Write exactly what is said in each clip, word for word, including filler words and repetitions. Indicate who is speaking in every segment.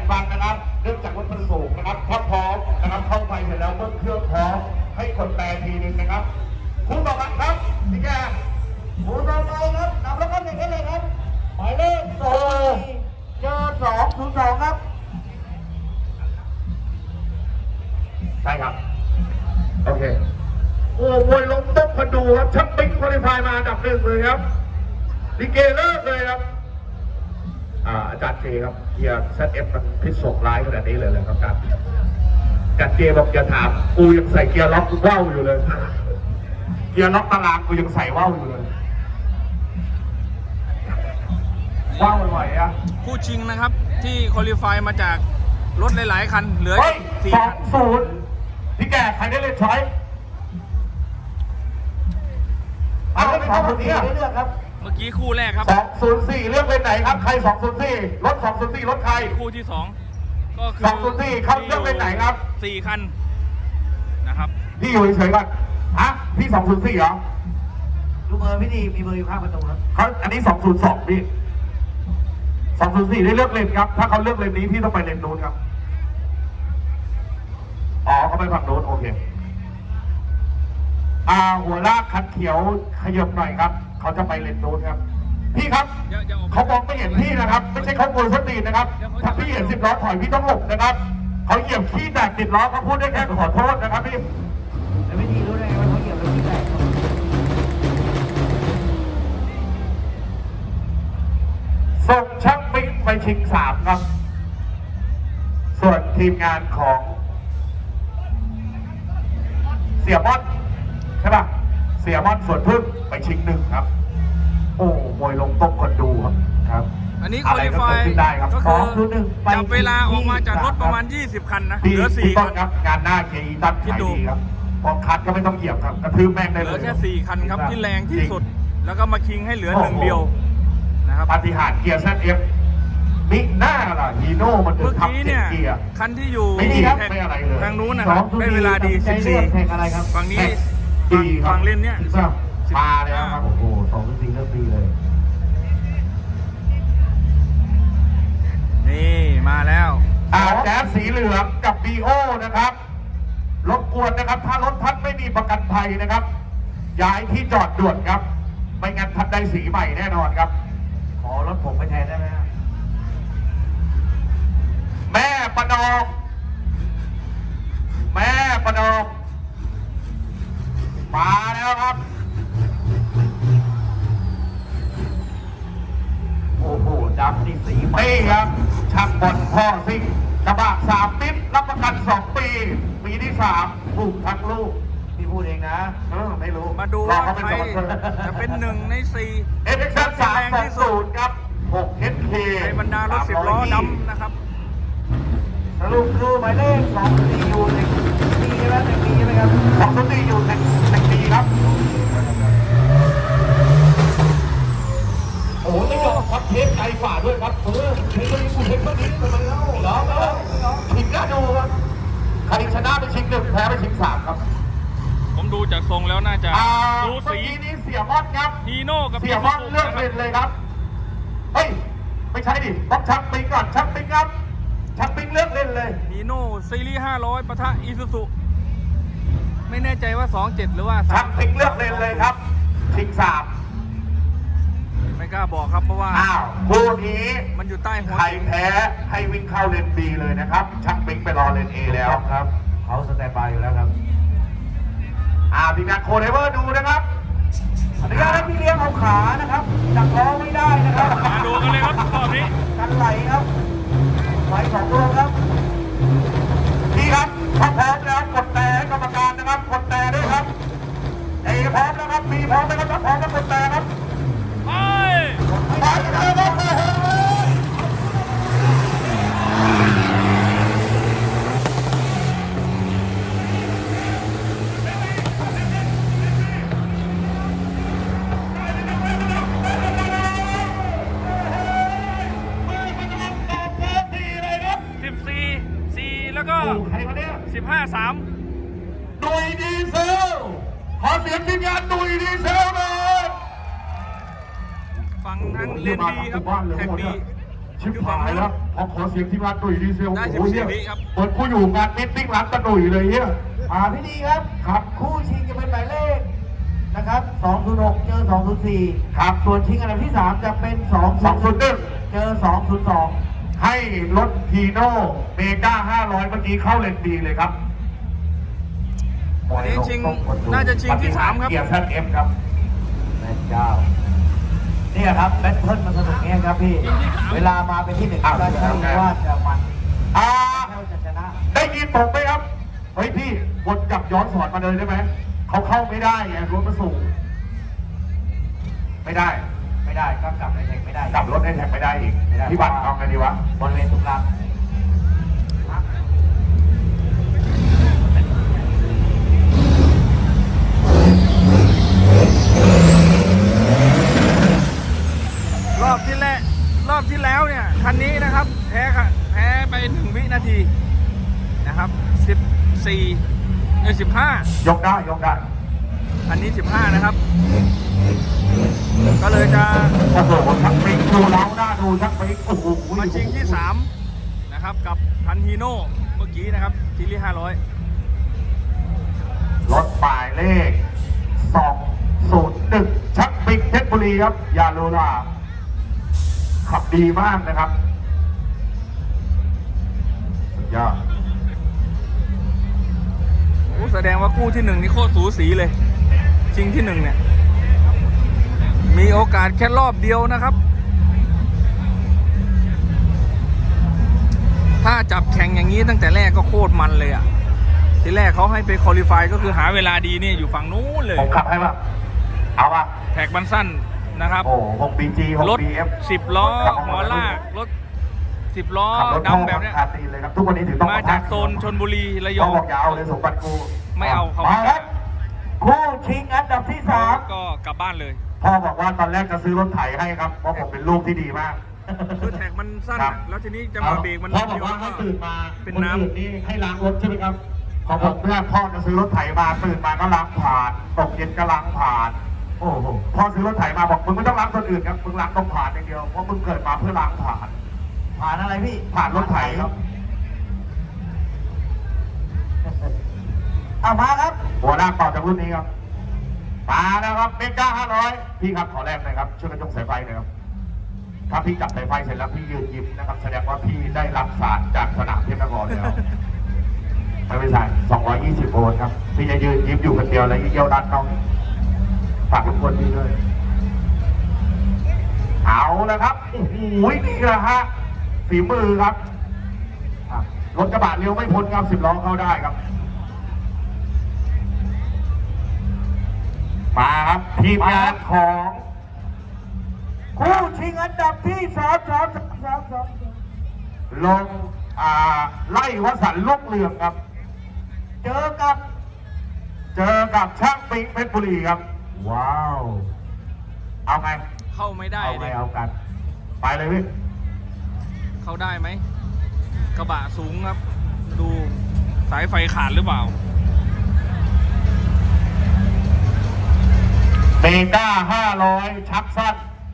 Speaker 1: ฟังนะครับเนื่องจากว่ามันสูงนะครับถ้าพร้อมนะครับเข้าไปเสร็จแล้วเมื่อเครื่องพร้อมให้กดแต่ทีนึงนะครับคู่ต่อไปครับพี่แกคู่ต่อไปครับนำแล้วก็หนึ่งได้เลยครับหมายเลขสองเจอสองศูนย์สองครับใช่ครับโอเคโอ้มวยล้มต้มคนดูครับชักปิ๊กคุริฟายมาอันดับหนึ่งเลยครับลิเกเลิกเลยครับอาจารย์เจครับเกียร์เซตเอฟมันพิษสงร้ายขนาดนี้เลยเลยครับอาจารย์อาจารย์เจบอกอย่าถามกูยังใส่เกียร์ล็อกว่าวอยู่เลยเกียร์ล็อกตารางกูยังใส่ว่าวอยู่เลยว่าวบ่อยๆอ่ะ
Speaker 2: คู่ชิงนะครับที่คุริฟายมาจากรถหลายๆคันเหลือสี่คัน
Speaker 1: ศูนย์พี่แกใครได้เล่นช้อยเอาเล่นสองคนนี้เลือกครับ
Speaker 2: เมื่อกี้คู่แรกครับ
Speaker 1: สองศูนย์สี่เลือกเป็นไหนครับใครสองศูนย์สี่รถสองศูนย์สี่รถใคร
Speaker 2: คู่ที่สองก็คือ
Speaker 1: สองศูนย์สี่เขาเลือกเป็นไหนครับ
Speaker 2: สี่คันนะครับ
Speaker 1: พี่อยู่เฉยๆก่อนฮะพี่สองศูนย์สี่เหรอ
Speaker 3: ดูเบอร์พี่ดีมีเบอร์อยู่ข้างประตูครับ
Speaker 1: เขาอันนี้สองศูนย์สองพี่สองศูนย์สี่ได้เลือกเลนครับถ้าเขาเลือกเลนนี้พี่ต้องไปเลนนู้นครับอ๋อเขาไปฝั่งนู้นโอเคอ่าหัวลากคันเขียวขยับหน่อยครับเขาจะไปเลนนู้นครับพี่ครับเขามองไม่เห็นพี่นะครับไม่ใช่เขาโกยสตีนนะครับถ้าพี่เห็นสิบล้อถอยพี่ต้องหลบนะครับเขาเหยียบขี้แตกติดล้อเขาพูดได้แค่ขอโทษนะครับพี่
Speaker 3: แต่ไม่ดีรู้ได้ว่าเขาเหยียบแล้วขี้แตก
Speaker 1: ส่งช่างปิ๊กไปชิงสามครับส่วนทีมงานของเสียบอลใช่ป่ะเสียบอลส่วนพึ่งไปชิงหนึ่งครับโอ้มวยลงต้มคนดูครับครับ
Speaker 2: อันนี้คุริฟายก็คือจับเวลาออกมาจากรถประมาณยี่สิบคันนะเหลือสี่คัน
Speaker 1: ครับงานหน้าเคอีตันขายดีครับพอคัดก็ไม่ต้องเหยียบครับกระทืบแม่งได้เลย
Speaker 2: เหลือแค่สี่คันครับที่แรงที่สุดแล้วก็มาคิงให้เหลือหนึ่งเดียวนะครับ
Speaker 1: ปาฏิหาริย์เกียร์เซตเอฟมิหน้าล่ะฮีโน่มันถึงทำเจ็ดเกียร์
Speaker 2: คันที่อยู่ทางนู้นนะครับได้เวลาดีสิบสี่ฝั่งนี้ฝั่งเล่นเนี้ย
Speaker 1: มาแล้วครับโอ้โหสองสี่เริ่มดีเลย
Speaker 2: นี่มาแล้ว
Speaker 1: อ่าแจ๊สสีเหลืองกับบีโอนะครับรบกวนนะครับถ้ารถท่านไม่มีประกันภัยนะครับย้ายที่จอดด่วนครับไม่งั้นท่านได้สีใหม่แน่นอนครับ
Speaker 3: ขอรถผมไปแทนได้ไหมครับ
Speaker 1: แม่ประนอมแม่ประนอมมาแล้วครับโอ้โหดำนี่สีใหม่ครับช่างบอลพ่อซิ่งกระบะสามมิตรรับประกันสองปีปีที่สามถูกทั้งลูก
Speaker 3: พี่พูดเองนะ
Speaker 1: เออไม่รู้
Speaker 2: มาดูว่าใครจะเป็นหนึ่งในสี่
Speaker 1: เอฟเอ็กซ์สามสองศูนย์ครับหกเอสเค
Speaker 2: ในบรรดารถสิบล้อดำนะครับ
Speaker 3: สรุปคือหมายเลขสองสี่อยู่ในปีใช่ไหมในปีใช่ไหมครับ
Speaker 1: สองสี่อยู่ในในปีครับโอ้โหไม่ยอมครับเทปไกลฝ่าด้วยครับเออเทปนี้คุณเทปนี้ทำไมเล่าเหรอเหรอชิงน่าดูครับใครชนะไปชิงหนึ่งแพ้ไปชิงสามครับ
Speaker 2: ผมดูจากทรงแล้วน่าจะ
Speaker 1: ดูสีนี้เสียบอลครับ
Speaker 2: ฮีโน่กับ
Speaker 1: เสียบอลเลือกเป็นเลยครับเฮ้ยไม่ใช่ดิต้องชักปิงก่อนชักปิงครับชักปิงเลือกเล่นเลย
Speaker 2: ฮีโน่ซีรีส์ห้าร้อยปะทะอีซูซุไม่แน่ใจว่าสองเจ็ดหรือว่า
Speaker 1: ชักปิงเลือกเล่นเลยครับชิงสาม
Speaker 2: ไม่กล้าบอกครับเพราะว่า
Speaker 1: อ้าวคู่นี้
Speaker 2: มันอยู่ใต้หัว
Speaker 1: ใครแพ้ให้วิ่งเข้าเลนบีเลยนะครับชักปิงไปรอเลนเอแล้วครับ
Speaker 3: เขาสแตนบายอยู่แล้วครับ
Speaker 1: อ่าทีมงานโคเดเวอร์ดูนะครับ
Speaker 3: อนุญาตให้พี่เลี้ยงเอาขานะครับจับล้อไม่ได้นะครับ
Speaker 2: มาดูกันเลยครับรอบนี้
Speaker 3: กันไหลครับไหลสองตัวครับ
Speaker 1: พี่ครับถ้าพร้อมแล้วกดแต่กรรมการนะครับกดแต่ด้วยครับเอพร้อมแล้วครับบีพร้อมแล้วครับพร้อมแล้วกดแต่ครับ
Speaker 2: ไป
Speaker 1: ไปเลยครับ
Speaker 2: แล้วก็สิบห้าสาม
Speaker 1: ดุยดีเซลขอเสียงทีมงานดุยดีเซลเลย
Speaker 2: ฝั่งทางเลนดีครับแท็กดี
Speaker 1: ชิบหายแล้วพอขอเสียงที่ร้านตุ๋ยดีเซล
Speaker 2: ได้
Speaker 1: โอ้โห
Speaker 2: สิบสี่
Speaker 1: เนี่ย
Speaker 2: วิครับ
Speaker 1: เปิดกูอยู่งานมิตติ้งร้านตะตุ๋ยเลยเนี่ย
Speaker 3: อ่าพี่ดีครับ
Speaker 1: ครับ
Speaker 3: คู่ชิงจะเป็นหมายเลขนะครับสองศูนย์หกเจอสองศูนย์สี่
Speaker 1: ครับ
Speaker 3: ส่วนชิงอันดับที่สามจะเป็นสอง
Speaker 1: สองศูนย์หนึ่ง
Speaker 3: เจอสองศูนย์สอง
Speaker 1: ให้รถพีโน่เมกาห้าร้อยเมื่อกี้เข้าเลนดีเลยครับ
Speaker 2: อันนี้ชิงน่าจะชิงที่สามครับ
Speaker 1: เกียร์แซดเอฟครับ
Speaker 3: แม่เจ้าเนี่ยครับแบทเทิลมันสนุกเงี้ยครับพี่ เวลามาเป็นที่หนึ่ง
Speaker 1: อ้าว
Speaker 3: ก็ใช่ว่าจะมัน
Speaker 1: อ่า
Speaker 3: แค่ว่าจะชนะ
Speaker 1: ได้ยินผมไหมครับ เฮ้ยพี่กดจับย้อนสอนมาเลยได้ไหม เขาเข้าไม่ได้ไงรถมาสูงไม่ได้
Speaker 3: ไม่ได้ก็กลับในแท็กไม่ได้
Speaker 1: กลับรถให้แท็กไม่ได้อีก
Speaker 3: ไม่ได้
Speaker 1: พี่บัตรเอาไงดีวะ
Speaker 3: บริเวณตรงกลาง
Speaker 2: รอบที่แรกรอบที่แล้วเนี่ยคันนี้นะครับแพ้ค่ะแพ้ไปหนึ่งวินาทีนะครับสิบสี่เออสิบห้าย
Speaker 1: กได้ยกได้
Speaker 2: อันนี้สิบห้านะครับ ก็เลยจะ
Speaker 1: โอ้โหชักปิ๊กดูแล้วหน้าดูชักปิ๊กโอ้โห
Speaker 2: มาชิงที่สามนะครับกับพันฮีโน่เมื่อกี้นะครับซีรีส์ห้าร้อย
Speaker 1: รถหมายเลขสองศูนย์หนึ่งชักปิ๊กเพชรบุรีครับ ยาโลลาขับดีมากนะครับสุดยอด
Speaker 2: โอ้แสดงว่าคู่ที่หนึ่งนี่โคตรสูสีเลย ชิงที่หนึ่งเนี่ยมีโอกาสแค่รอบเดียวนะครับ ถ้าจับแข่งอย่างนี้ตั้งแต่แรกก็โคตรมันเลยอ่ะทีแรกเขาให้ไปคอลิฟายก็คือหาเวลาดีเนี่ยอยู่ฝั่งนู้นเลย
Speaker 1: ผมขับให้ป่ะเอาป่ะ
Speaker 2: แท็กมันสั้นนะครับ
Speaker 1: โอ้หกบีจีหก
Speaker 2: รถ
Speaker 1: บีเอฟ
Speaker 2: สิบล้อหมอลากรถสิบล้อ
Speaker 1: ขับรถท่อ
Speaker 2: ดำแบบเนี้ย
Speaker 1: คาตีนเลยครับทุกวันนี้ถึงต้อง
Speaker 2: มาจากโซนชนบุรีระย
Speaker 1: ต้
Speaker 2: อ
Speaker 1: อง
Speaker 2: ง
Speaker 1: บอกอยาวเลยสมบัติกู
Speaker 2: ไม่เอาเขา
Speaker 1: มาครับ
Speaker 3: คู่ชิงอันดับที่สาม
Speaker 2: ก็กลับบ้านเลย
Speaker 1: พ่อบอกว่าตอนแรกจะซื้อรถไถให้ครับเพราะผมเป็นลูกที่ดีมาก
Speaker 2: คือแท็กมันสั้น
Speaker 1: ครั
Speaker 2: อะ
Speaker 1: บ
Speaker 2: แล้วทีนี้จังหวะเบรกมัน
Speaker 1: พ่อบอกว่าให้ตื่นมา
Speaker 2: เป็น
Speaker 1: คน
Speaker 2: น้ำ
Speaker 1: อื่นนี่ให้ล้างรถใช่ไหมครับพอผมเพื่อนพ่อจะซื้อรถไถมาตื่นมาก็ล้างผ่านตกเย็นก็ล้างผ่าน โอ้โหพ่อซื้อรถไถมาบอกมึงไม่ต้องล้างคนอื่นครับมึงล้างตรงผ่านอย่างเดียวเพราะมึงเกิดมาเพื่อล้างผ่าน
Speaker 3: ผ่านอะไรพี่
Speaker 1: ผ่านรถไถครับ
Speaker 3: เอามาครับ
Speaker 1: หัวหน้าเป่าจากรุ่นนี้ครับมาแล้วครับเมกาห้าร้อยพี่ครับขอแรกหน่อยครับช่วยกันยกสายไฟหน่อยครับถ้าพี่จับสายไฟเสร็จแล้วพี่ยืนยิ้มนะครับแสดงว่าพี่ได้รับสารจากสนามเทพนครแล้วไม่ไม่ใช่สองร้อยยี่สิบโวลต์ครับพี่จะยืนยิ้มอยู่คนเดียวแล้วยิ่งเยี่ยวด้านนอกฝากทุกคนดีด้วยเอาแล้วครับโอ้โหนี่แหละฮะฝีมือครับอ่ะรถกระบะเลี้ยวไม่พ้นครับสิบล้อเข้าได้ครับมาครับทีมงานของ
Speaker 3: คู่ชิงอันดับที่สามสามสามสามสาม
Speaker 1: ลงอ่าไล่วสันต์ลูกเรืองครับ
Speaker 3: เจอกับ
Speaker 1: เจอกับช่างปิงเพชรบุรีครับ ว้าว เอาไง
Speaker 2: เข้าไม่ได้
Speaker 1: เอาไง
Speaker 2: เลย
Speaker 1: เอากัน ไปเลยพี่
Speaker 2: เข้าได้ไหมกระบะสูงครับ ดูสายไฟขาดหรือเปล่า
Speaker 1: เมก้าห้าร้อยชักสั้น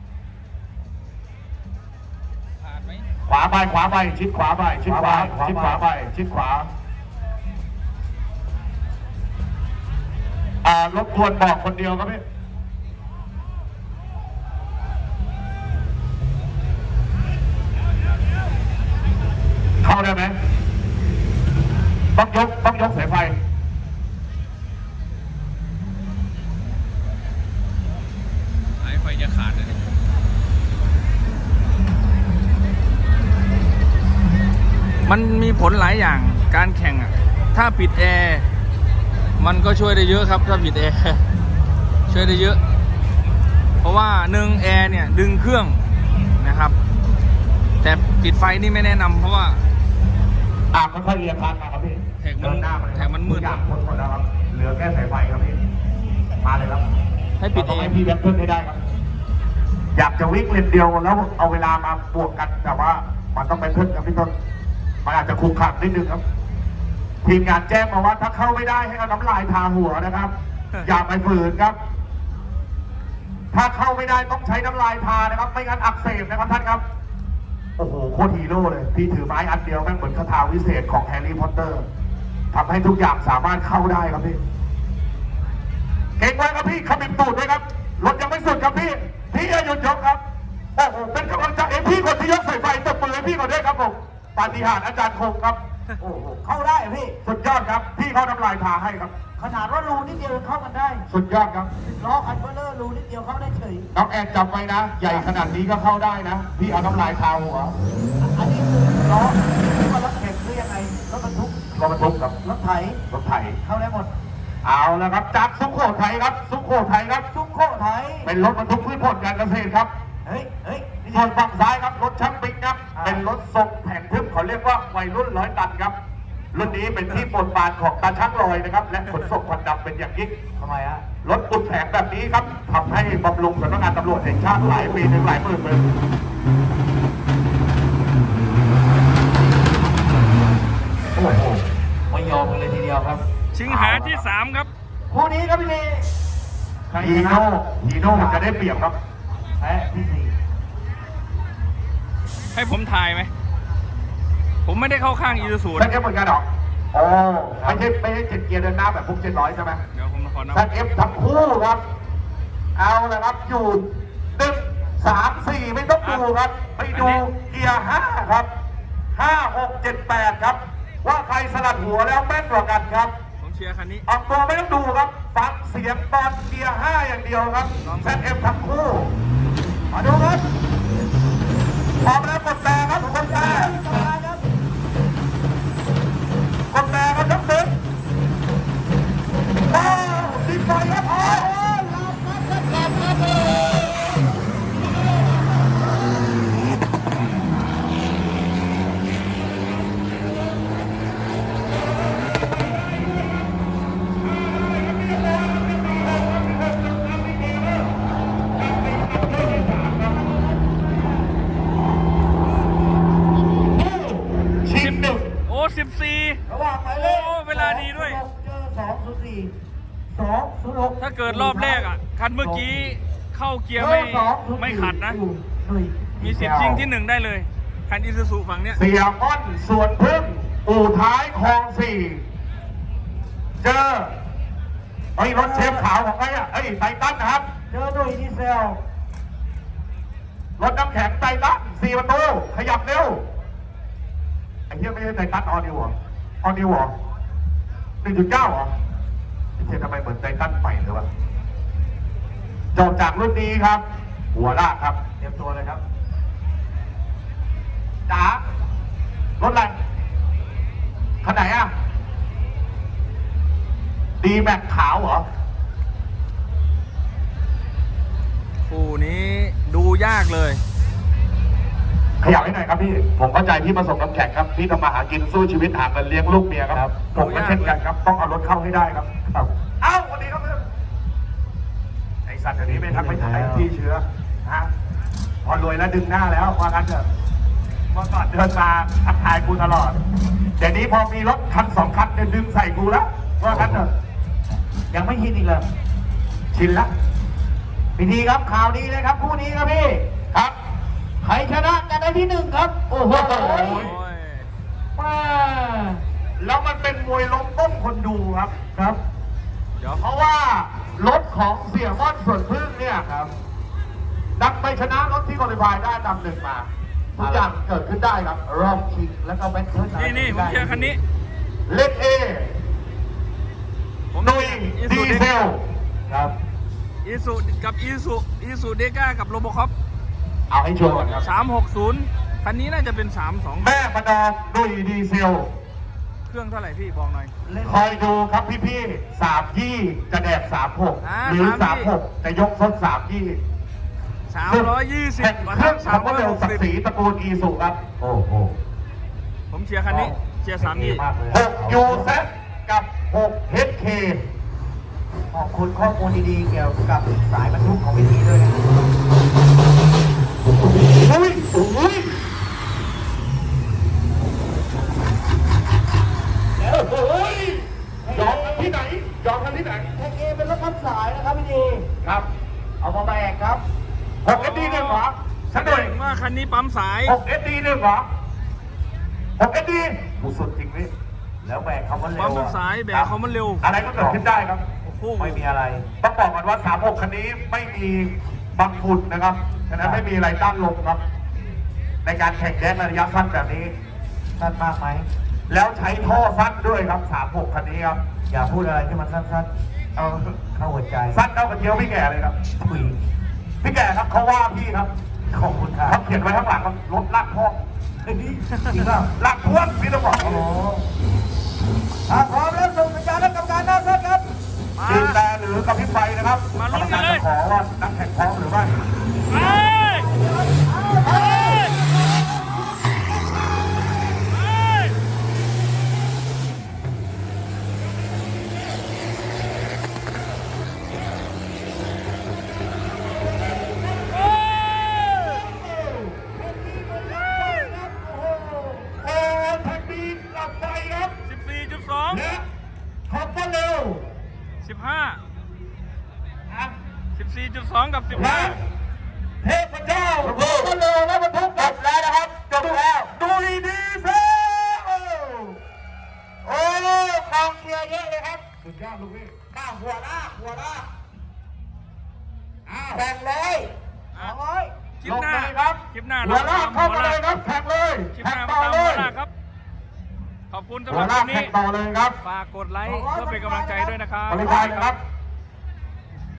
Speaker 2: ขาดไหม
Speaker 1: ขวาไปขวาไปชิดขวาไปชิดขวาชิดขวาไปชิดขวาอ่ารบกวนบอกคนเดียวครับพี่เข้าได้ไหมต้องยกต้องยกสายไฟ
Speaker 2: สายไฟจะขาดเลยมันมีผลหลายอย่างการแข่งอ่ะถ้าปิดแอร์มันก็ช่วยได้เยอะครับถ้าปิดแอร์ ช่วยได้เยอะ เพราะว่าหนึ่งแอร์เนี่ยดึงเครื่องนะครับ แต่ปิดไฟนี่ไม่แนะนำเพราะว่า
Speaker 1: อ่ะค่อยๆเรียงคันมาครับพี่
Speaker 2: แท็กมัน
Speaker 1: เดินหน้ามาเลย
Speaker 2: แท็กมันมืด
Speaker 1: ทุอย่างพ้นหมดแล้วครับ เหลือแค่สายไฟครับพี่ มาเลยครับ
Speaker 2: ให้ปิด
Speaker 1: เรา
Speaker 2: เอ
Speaker 1: ต้อง
Speaker 2: ง
Speaker 1: ให้พี่แบทเทิลให้ได้ครับ อยากจะวิ่งเลนเดียวแล้วเอาเวลามาบวกกัน แต่ว่ามันต้องไปเพิ่มกับพี่ต้น มันอาจจะคุกคักนิดนึงครับ ทีมงานแจ้งมาว่าถ้าเข้าไม่ได้ให้เอาน้ำลายทาหัวนะครับ อย่าไปฝืนครับ ถ้าเข้าไม่ได้ต้องใช้น้ำลายทานะครับ ไม่งั้นอักเสบนะครับท่านครับโอ้โหโคตรฮีโร่เลย พี่ถือไม้อันเดียวแม่งเหมือนคาถาวิเศษของแฮร์รี่พอตเตอร์ทำให้ทุกอย่างสามารถเข้าได้ครับพี่ เก่งไว้ครับพี่ขมิบตูดด้วยครับ รถยังไม่สุดครับพี่ พี่อย่าหยุดยกครับ โอ้โห เป็นกำลังใจให้พี่คนที่ยกสายไฟตบมือให้พี่ก่อนด้วยครับผมปาฏิหาริย์อาจารย์คงครับ
Speaker 3: โอ้โหเข้าได้เหรอพี่
Speaker 1: สุดยอดครับ พี่เขาทำลายทางให้ครับ
Speaker 3: ขนาดว่ารูนิดเดียวยังเข้ากันได้
Speaker 1: สุดยอดครับ
Speaker 3: ล้อคันเบลเลอร์รูนิดเดียวเข้าได้เฉย
Speaker 1: น้องแอนจำไว้นะ ใหญ่ขนาดนี้ก็เข้าได้นะ พี่เอาน้ำลายทาหัว
Speaker 3: อันนี้คือล้อที่ว่ารถแข่งหรือยังไงรถบรรทุก
Speaker 1: รถบรรทุกครับ
Speaker 3: รถไถ
Speaker 1: รถไถ
Speaker 3: เข้าได้หมด
Speaker 1: เอาแล้วครับ จากสุโขทัยครับ สุโขทัยครับ
Speaker 3: ทุกโคไถ
Speaker 1: เป็นรถบรรทุกพืชผลการเกษตรครับ
Speaker 3: เฮ้ยเฮ้ยนี่
Speaker 1: ส่วนฝั่งซ้ายครับรถช่างปิกครับ
Speaker 3: อ่า
Speaker 1: เป็นรถทรงแผงทึบเขาเรียกว่าวัยรุ่นร้อยตันครับรุ่นนี้เป็นที่โปรดปรานของตาช่างลอยนะครับ และขนส่งควันดำเป็นอย่างยิ่ง
Speaker 3: ทำไมฮะ
Speaker 1: รถอุดแผงแบบนี้ครับทำให้บำรุงสำนักงานตำรวจแห่งชาติหลายปีถึงหลายหมื่นเลยโอ้โห
Speaker 3: ไม่ยอมกันเลยทีเดียวครับ
Speaker 2: ชิงหาที่สามครับ
Speaker 3: คู่นี้ครับพี่นี
Speaker 1: ฮีโน่ฮีโน่มันจะได้เปรียบครับ
Speaker 3: แพ้ที่สี่
Speaker 2: ให้ผมถ่ายไหม ผมไม่ได้เข้าข้างอีซูซู
Speaker 1: แซ
Speaker 2: นะ
Speaker 1: ดเอฟเหมือนกันเหรอโอ้ไม่ใช่ไม่ใช่เจ็ดเกียร์เดินหน้าแบบพวกเจ็ดร้อยใช่ไหม
Speaker 2: เดี๋ยวผมขอนับ
Speaker 1: แซดเอฟทั้งคู่ครับ เอาละครับ อยู่หนึ่งสามสี่ไม่ต้องดูครับ ไปดูเกียร์ห้าครับห้าหกเจ็ดแปดครับ ว่าใครสลัดหัวแล้วแม่นกว่ากันครับ
Speaker 2: ผมเชียร์คันนี้
Speaker 1: ออกตัวไม่ต้องดูครับ ฟังเสียงตอนเกียร์ห้าอย่างเดียวครับแซดเอฟทั้งคู่ มาดูครับพร้อมแล้วกดแต่ครับกดแต่กดแต่ครับทั้งตึกว้าวติดไฟครับอ๋อชิมหนึ่ง
Speaker 2: โอ้สิบสี่
Speaker 3: ระหว่างหมายเลข
Speaker 2: โอ้เวลาดีด้วย
Speaker 3: เจอสองศูนย์สี่สองศูนย์หก
Speaker 2: ถ้าเกิดรอบแรกอ่ะ คันเมื่อกี้เข้าเกียร์ไม่ไม่ขัดนะ มีสิทธิ์ชิงที่หนึ่งได้เลย คันอีซูซูฝั่งเนี้ย
Speaker 1: เสียอ้อนสวนพึ่งอู่ท้ายคลองสี่เจอไอ้ยรถเชฟขาวของใครอ่ะเอ้ยไททันนะครับ
Speaker 3: เจอหน่วยดีเซล
Speaker 1: รถน้ำแข็งไททันสี่ประตูขยับเร็วไอ้เหี้ยไม่ใช่ไททันออนิวเหรอออนิวเหรอหนึ่งจุดเก้าเหรอไอ้เหี้ยทำไมเหมือนไททันใหม่เลยวะจบจากรุ่นนี้ครับ หัวลากครับ
Speaker 3: เตรียมตัวเลยครับ
Speaker 1: จ๋ารถอะไรคันไหนอ่ะดีแม็กขาวเหรอ
Speaker 2: คู่นี้ดูยากเลย
Speaker 1: ขยับให้หน่อยครับพี่ ผมเข้าใจพี่ประสบกับแข่งครับ พี่ทำมาหากินสู้ชีวิตหาเงินเลี้ยงลูกเมียครับ ผมก็เช่นกันครับ ต้องเอารถเข้าให้ได้ครับครับเอ้าวันนี้ครับเพื่อนไอสัตว์เดี๋ยวนี้ไม่ทักไม่ถ่ายพี่เชื้อฮะพอรวยแล้วดึงหน้าแล้วว่างั้นเถอะเมื่อก่อนเดินมาทักทายกูตลอดเดี๋ยวนี้พอมีรถคันสองคันเนี่ยดึงใส่กูแล้วว่างั้นเถอะ
Speaker 3: ยังไม่ชินอีกเลย
Speaker 1: ชินละ
Speaker 3: พิธีครับข่าวดีเลยครับคู่นี้ครับพี่
Speaker 1: ครับ
Speaker 3: ใครชนะจะได้ที่หนึ่งครับ โอ้โห
Speaker 2: โอ้ย
Speaker 3: ป้า
Speaker 1: แล้วมันเป็นมวยล้มต้มคนดูครับ
Speaker 3: ครับ
Speaker 2: เดี๋ยว
Speaker 1: เพราะว่ารถของเสี่ยม่อนส่วนพึ่งเนี่ยครับดันไปชนะรถที่คอลิฟายได้อันดับหนึ่งมาทุกอย่างเกิดขึ้นได้ครับ
Speaker 3: รอบชิงแล้วก็แบทเทิล
Speaker 2: นี่นี่ผมเชียร์คันนี้
Speaker 1: เล็กเอ
Speaker 2: ผม
Speaker 1: นุย
Speaker 2: อี
Speaker 1: ดี
Speaker 2: ซู
Speaker 1: เซล
Speaker 3: ครับ
Speaker 2: อีซูกับอีซูอีซูเดก้ากับโรโบคอป
Speaker 1: เอาให้ชัวร์ก่อนครับ
Speaker 2: สามหกศูนย์คันนี้น่าจะเป็นสามสอง
Speaker 1: แม่ประนอมนุยดีเซล
Speaker 2: เครื่องเท่าไหร่พี่บอกหน่อย
Speaker 3: เล่น
Speaker 1: คอยดูครับพี่ๆสามยี่จะแดกสามหก
Speaker 2: อ่า
Speaker 1: หรือ
Speaker 2: สา
Speaker 1: สาม ม
Speaker 2: ยี่
Speaker 1: หกจะยกซดสามยี่
Speaker 2: สามร้อยยี่สิบ
Speaker 1: แข่ง
Speaker 2: มา
Speaker 1: เค
Speaker 2: ค
Speaker 1: รื่
Speaker 2: รั
Speaker 1: อบ ง
Speaker 2: สาม
Speaker 1: คำ
Speaker 2: ร้
Speaker 1: ว่า
Speaker 2: อย
Speaker 1: เร็ว
Speaker 2: หก
Speaker 1: ศัก
Speaker 2: สิบ
Speaker 1: ดิ์ศรีตระกูลอีสุครับ โอ้โห
Speaker 2: ผมเชียร์คันนี้ เชียร์สามยี่
Speaker 1: หกยูเซกับหกเฮดเค
Speaker 3: ขอบคุณข้อมูลดีๆเกี่ยวกับสายบรรทุกของพิธีด้วยนะ
Speaker 1: อุ้ยอุ้ยโอ้ยยอมกันที่ไหนยอมกันที่ไหน
Speaker 3: แท็กเอเป็นรถพับสายนะครับพิธี
Speaker 1: ครับ
Speaker 3: เอามาแบกครับ
Speaker 1: หกเอสดีหนึ่งเหรอฉันหน่อย
Speaker 2: ว่าคันนี้ปั๊มสาย
Speaker 1: หกเอสดีหนึ่งเหรอหกเอสดีผู้สุดจริงนี่
Speaker 3: แล้วแบกเขามันเร็
Speaker 2: ปั๊
Speaker 3: ว
Speaker 2: ม
Speaker 3: อะ
Speaker 2: สายแบกเขามันเร็ว
Speaker 1: อะไรก็เกิดขึ้นได้ครับ
Speaker 2: โอ้โห
Speaker 3: ไม่มีอะไร
Speaker 1: ต้องบอกก่อนว่าสามหกคันนี้ไม่มีบังฝุ่นนะครับ ฉะนั้นไม่มีอะไรต้านลมครับ ในการแข่งแดนระยะสั้นแบบนี้
Speaker 3: สั้นมากไหม
Speaker 1: แล้วใช้ท่อสั้นด้วยครับสามหกคันนี้ครับ
Speaker 3: อย่าพูดอะไรที่มันสั้นๆ เอาเข้าหัวใจ
Speaker 1: สั้นเท่ากับเจียวพี่แก่เลยครับ
Speaker 3: ถุย
Speaker 1: พี่แก่ครับเขาว่าพี่ครับ
Speaker 3: ขอบคุณครับ
Speaker 1: เขาเขียนไว้ข้างหลังครับรถลากพ่วง
Speaker 3: เฮ้ยจริงเปล่า
Speaker 1: ลากพ่วงพี่ต้องบอก
Speaker 3: โอ้โหถ้าพร้อมแล้วส่งสัญญาณให้กรรมการหน้าเซตครับ
Speaker 2: มา
Speaker 1: ยืนแต่หรือกระพริบไฟนะครับ
Speaker 2: มาลุ้นกันเลย
Speaker 1: กรรมการจะขอว่านักแข่งพร้อมหรือไม่
Speaker 2: ไปไปไปโอ้
Speaker 1: โอ้แท็กซี่กลับไปครับ
Speaker 2: สิบสี่จุดสอง
Speaker 1: และขับมาเร็ว
Speaker 2: สิบห้า
Speaker 1: อ่ะ
Speaker 2: สิบสี่จุดสองกับสิบ
Speaker 1: และ
Speaker 2: ห้า
Speaker 1: เทพเจ้าขับมาเร็วแล้วบรรทุกจบแล้วนะครับจบแล้วดูดีๆเพื่โอ้โอ้กองเชียร์เยอะเลยครับสุดยอดลูกพี่ข้าวหัวลากหัวลากอ้าวแข่งเลย
Speaker 2: อ่ะ
Speaker 3: โอ้ย
Speaker 2: คลิปหน้า
Speaker 1: ลงเลยครับ
Speaker 2: คลิปหน้า
Speaker 1: หัวลากเข้ามา
Speaker 2: หัว
Speaker 1: เล
Speaker 2: ลาย
Speaker 1: ครับแข่งเลย
Speaker 2: คลิปห
Speaker 1: แข่ง
Speaker 2: น้า
Speaker 1: ต่อ
Speaker 2: ตาม
Speaker 1: เล
Speaker 2: หัวย ลากครับ ขอบคุณสำห
Speaker 1: หัว
Speaker 2: รับ
Speaker 1: ลา
Speaker 2: วั
Speaker 1: ก
Speaker 2: น
Speaker 1: แข่
Speaker 2: นี้
Speaker 1: งต่อเลยครับ
Speaker 2: ฝากกดไลค์เพื่อเป็นกำลังใจด้วยนะครับ
Speaker 1: บริการนะครับ